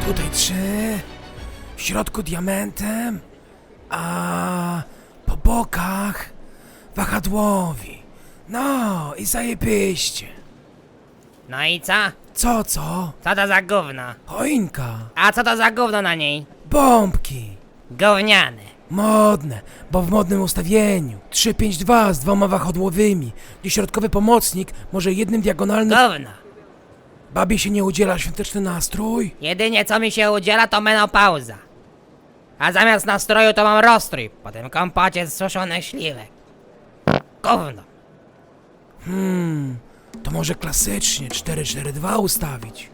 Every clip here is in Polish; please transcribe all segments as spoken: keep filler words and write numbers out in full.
Tutaj trzy, w środku diamentem, a po bokach wahadłowi. No i zajebiście. No i co? Co, co? Co to za gówno? Choinka, A co to za gówno na niej? bombki. Gówniane. Modne, bo w modnym ustawieniu. trzy pięć dwa z dwoma wahadłowymi, gdzie środkowy pomocnik może jednym diagonalnym... Gówno. Babie się nie udziela świąteczny nastrój? Jedynie co mi się udziela to menopauza. A zamiast nastroju to mam rozstrój po tym kompocie z suszonych śliwek. Gówno. Hmm, to może klasycznie cztery cztery dwa ustawić.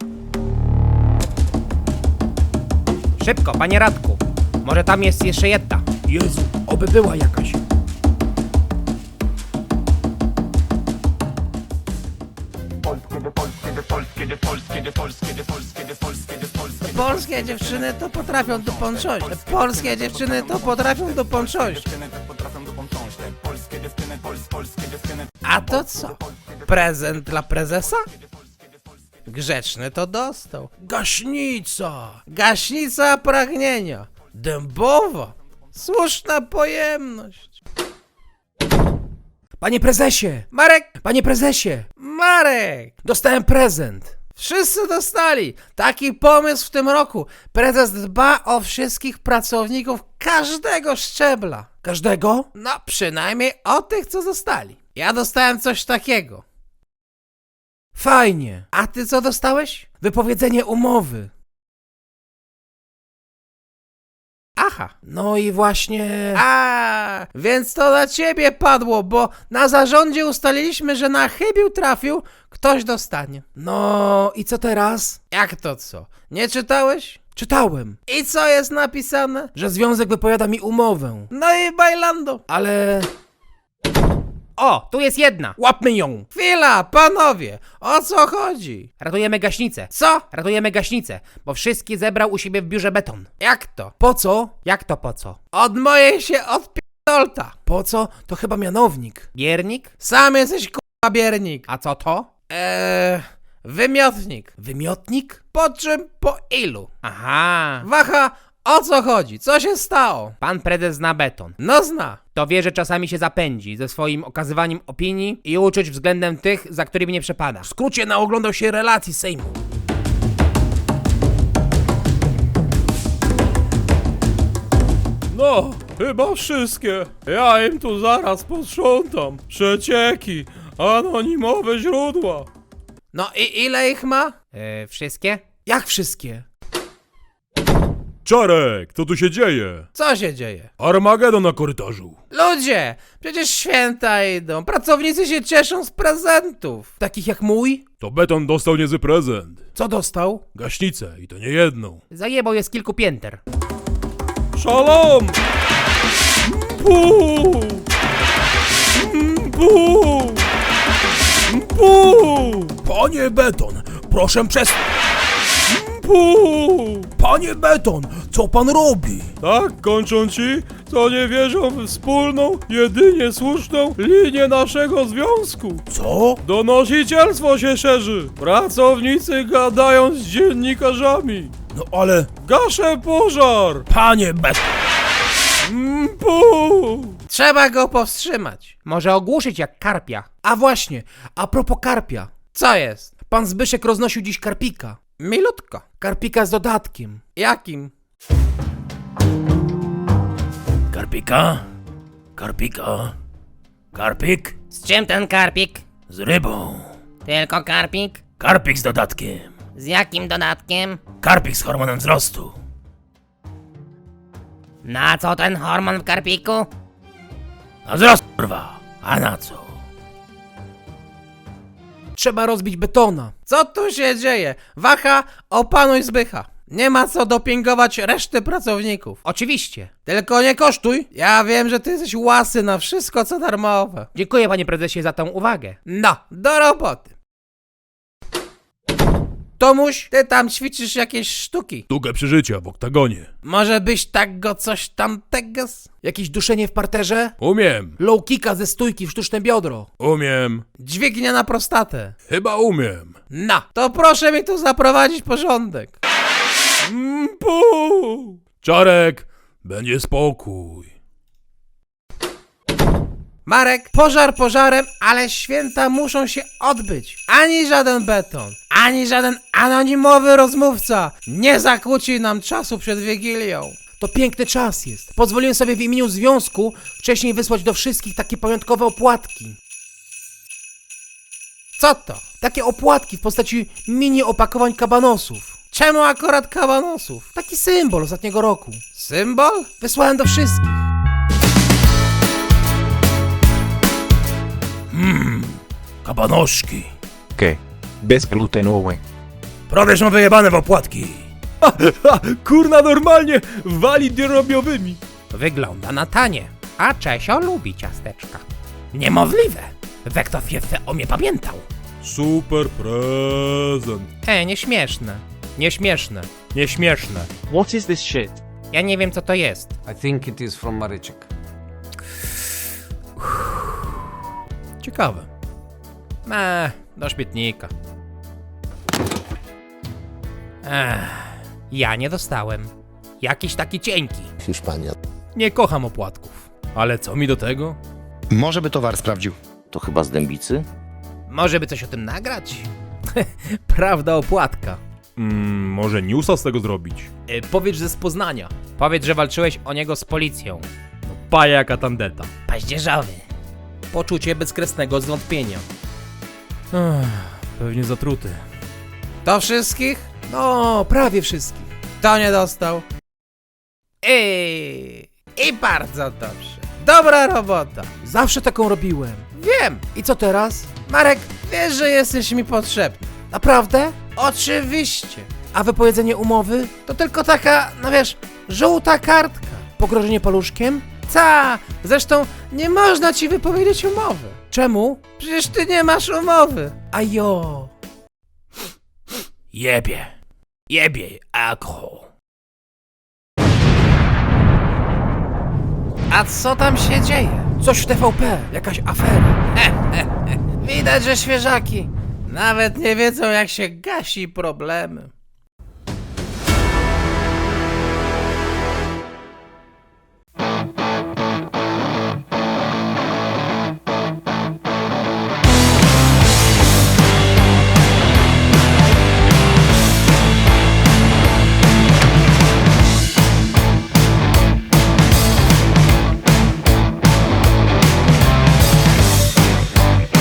Szybko, panie Radku. Może tam jest jeszcze jedna. Jezu, oby była jakaś. Polskie dziewczyny to potrafią do ponczość. Polskie dziewczyny to potrafią do ponczość. A to co? Prezent dla prezesa? Grzeczny to dostał. Gaśnica! Gaśnica pragnienia. Dębowa. Słuszna pojemność. Panie prezesie! Marek! Panie prezesie! Marek! Dostałem prezent! Wszyscy dostali. Taki pomysł w tym roku. Prezes dba o wszystkich pracowników każdego szczebla. Każdego? No, przynajmniej o tych, co zostali. Ja dostałem coś takiego. Fajnie! A ty co dostałeś? Wypowiedzenie umowy. Aha. No i właśnie... A, więc to na ciebie padło, bo na zarządzie ustaliliśmy, że na chybił trafił, ktoś dostanie. No i co teraz? Jak to co? Nie czytałeś? Czytałem, I co jest napisane? że związek wypowiada mi umowę. No i bailando. Ale... O, tu jest jedna. Łapmy ją! Chwila, panowie, o co chodzi? Ratujemy gaśnicę. Co? Ratujemy gaśnicę, bo wszystkie zebrał u siebie w biurze beton. Jak to? Po co? Jak to po co? Od mojej się odpierdolta. Po co? To chyba mianownik. Biernik? Sam jesteś k***a biernik. A co to? Eee, wymiotnik. Wymiotnik? Po czym, po ilu? Aha. Waha, o co chodzi? Co się stało? Pan prezes zna beton. No zna. To wie, że czasami się zapędzi ze swoim okazywaniem opinii i uczuć względem tych, za którymi nie przepada. W skrócie naoglądał się relacji Sejmu. No, chyba wszystkie. Ja im tu zaraz posprzątam. Przecieki, anonimowe źródła. No i ile ich ma? Yy, wszystkie? Jak wszystkie? Czarek, co tu się dzieje? Co się dzieje? Armagedon na korytarzu. Ludzie, przecież święta idą. Pracownicy się cieszą z prezentów. Takich jak mój? To beton dostał niezły prezent. Co dostał? Gaśnicę i to nie jedną. Zajebał je z kilku pięter. Szalom! Pu! Pu! Pu! Panie Beton, proszę przez... Pu! Panie Beton, co pan robi? Tak kończą ci, co nie wierzą w wspólną, jedynie słuszną linię naszego związku. Co? Donosicielstwo się szerzy. Pracownicy gadają z dziennikarzami. No ale... Gaszę pożar. Panie Beton... Pu! Trzeba go powstrzymać. Może ogłuszyć jak karpia. A właśnie, a propos karpia. Co jest? Pan Zbyszek roznosił dziś karpika. Milutko. Karpika z dodatkiem. Jakim? Karpika? Karpika? Karpik? Z czym ten karpik? Z rybą. Tylko karpik? Karpik z dodatkiem. Z jakim dodatkiem? Karpik z hormonem wzrostu. Na co ten hormon w karpiku? Na wzrost, kurwa. A na co? Trzeba rozbić betona. Co tu się dzieje? Waha, opanuj Zbycha. Nie ma co dopingować reszty pracowników. Oczywiście. Tylko nie kosztuj. Ja wiem, że ty jesteś łasy na wszystko, co darmowe. Dziękuję, panie prezesie, za tą uwagę. No, do roboty. Tomuś, ty tam ćwiczysz jakieś sztuki. Sztukę przeżycia w oktagonie. Może byś tak go coś tamtego... z- Jakieś duszenie w parterze? Umiem, Low kicka ze stójki w sztuczne biodro. umiem, Dźwignia na prostatę. chyba umiem. No, to proszę mi tu zaprowadzić porządek. Mm, pu. Czarek, będzie spokój. Marek, pożar pożarem, ale święta muszą się odbyć. Ani żaden beton, ani żaden anonimowy rozmówca nie zakłóci nam czasu przed Wigilią. To piękny czas jest. Pozwoliłem sobie w imieniu związku wcześniej wysłać do wszystkich takie pamiątkowe opłatki. Co to? Takie opłatki w postaci mini opakowań kabanosów. Czemu akurat kabanosów? Taki symbol ostatniego roku. Symbol? Wysłałem do wszystkich. Kabanoszki. ¿Qué? Bezglutenowe. Prawie są wyjebane w opłatki. Ha, ha, kurna normalnie, wali drobiowymi. Wygląda na tanie. A Czesio lubi ciasteczka. Niemożliwe. Wektow jeszcze o mnie pamiętał. Super prezent. E, nieśmieszne. Nieśmieszne. Nieśmieszne. What is this shit? Ja nie wiem co to jest. I think it is from Maryczek. Ciekawe. Eee, do śmietnika. Ech, ja nie dostałem. Jakiś taki cienki. Hiszpania. Nie kocham opłatków. Ale co mi do tego? Może by towar sprawdził. To chyba z Dębicy? Może by coś o tym nagrać? Prawda opłatka. Mm, może newsa z tego zrobić. E, powiedz, że z Poznania. Powiedz, że walczyłeś o niego z policją. Paja jaka tandeta. Paździerzowy. Poczucie bezkresnego zwątpienia. Ech, pewnie zatruty. Do wszystkich? No, prawie wszystkich. Kto nie dostał? I, I bardzo dobrze. Dobra robota. Zawsze taką robiłem. Wiem. I co teraz? Marek, wiesz, że jesteś mi potrzebny. Naprawdę? Oczywiście. A wypowiedzenie umowy? To tylko taka, no wiesz, żółta kartka. Pogrożenie paluszkiem? Ta, zresztą nie można ci wypowiedzieć umowy. Czemu? Przecież ty nie masz umowy. A jo. Jebie. Jebie, alkohol. A co tam się dzieje? Coś w T V P, jakaś afera. Widać, że świeżaki nawet nie wiedzą, jak się gasi problemy.